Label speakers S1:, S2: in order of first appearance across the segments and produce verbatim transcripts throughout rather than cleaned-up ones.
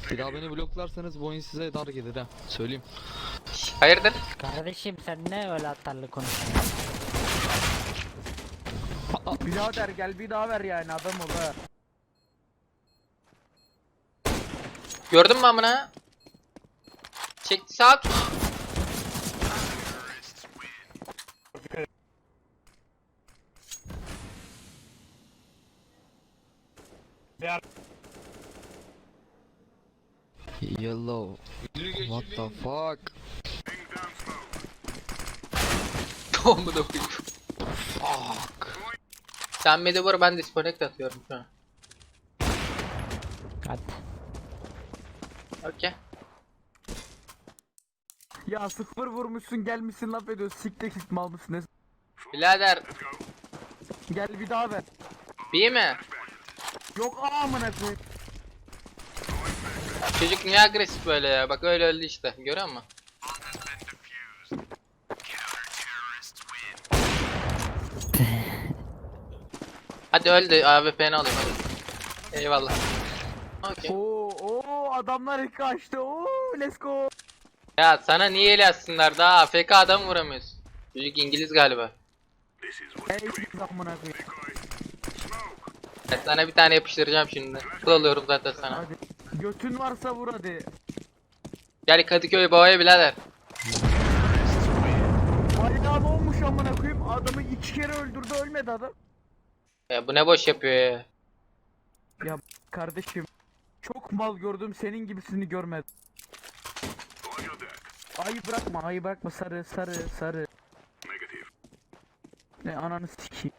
S1: Bir daha beni bloklarsanız bu oyun size dar gelir ha. Söyleyeyim.
S2: Hayırdır?
S3: Kardeşim sen ne öyle atarlı konuşuyorsun?
S4: Birader gel bir daha ver yani adam ol ha.
S2: Gördün mü amına? Çekti sağ tut.
S1: Yellow. What the fuck?
S2: Amına koyayım.
S1: Fuck.
S2: Sen midi vur, ben disconnect atıyorum şu an.
S3: Hadi.
S2: Okey.
S4: Ya sıfır vurmuşsun gelmişsin laf ediyorsun siktir git mal mısın ne?
S2: Birader,
S4: Gel bir daha ver.
S2: iyi mi?
S4: Yok aa amına koyayım.
S2: Çocuk niye agresif böyle ya? Bak öyle öldü işte. Görüyor musun? Hadi öldü. A W P'ni alayım hadi. Eyvallah. Okey.
S4: Oo oo adamlar ilk kaçtı. Oo let's go.
S2: Ya sana niye el atsınlar? Daha A F K adam vuramıyorsun. Çocuk İngiliz galiba.
S4: Ey biz amına koyayım.
S2: Ben sana bir tane yapıştıracağım şimdi. Kıl alıyorum zaten sana.
S4: Hadi. Götün varsa vur hadi.
S2: Gel Kadıköy Baba'ya birader.
S4: Hayda ne olmuş amına koyayım? Adamı iki kere öldürdü ölmedi adam.
S2: Ya bu ne boş yapıyor ya.
S4: Ya kardeşim çok mal gördüm senin gibisini görmedim. Ayı bırakma ayı bırakma sarı sarı sarı. Ne ananı sikeyim.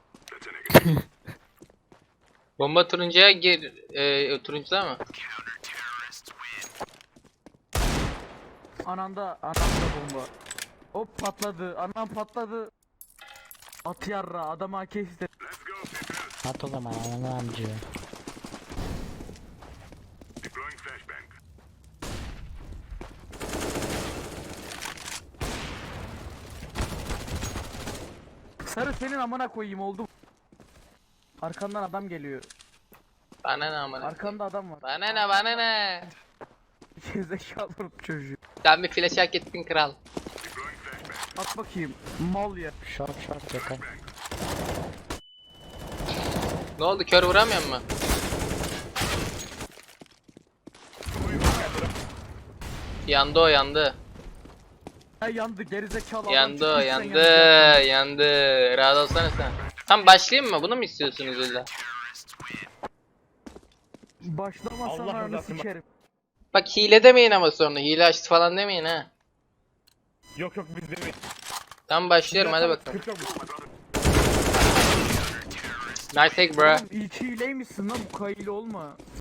S2: Bomba turuncuya gir. E, turuncuda mı?
S4: Ananda ananda bomba. Hop patladı anam patladı. At yarra adam A K istedi.
S3: At o zaman ananı amcı.
S4: Sarı senin amına koyayım oldu. Arkandan adam geliyor.
S2: Bana ne amına.
S4: Arkanda adam var.
S2: Bana ne bana ne.
S4: Zekalı çocuğu.
S2: Sen bir flash hak ettin kral.
S4: At bakayım. Mal ya.
S3: Short short yakın.
S2: Ne oldu, kör vuramıyor mu? Yandı o, yandı.
S4: Ya yandı gerizekalı adam
S2: Yandı o,
S4: çıkmış, sen
S2: yandı,
S4: yanacaksın.
S2: yandı. Rahat olsana sen. Tam başlayayım mı? Bunu mu istiyorsunuz illa?
S4: Başlamasan
S5: Allah
S4: ananı
S5: rızası için.
S4: sikerim.
S2: Bak hile demeyin ama sonra. Hile açtı falan demeyin ha.
S5: Yok yok biz demeyiz.
S2: Tam başlıyorum, hadi bakalım.
S5: Sıkıntı yok.
S2: Nice take bro.
S4: Oğlum iyi hileymişsin lan bu kayılı olma.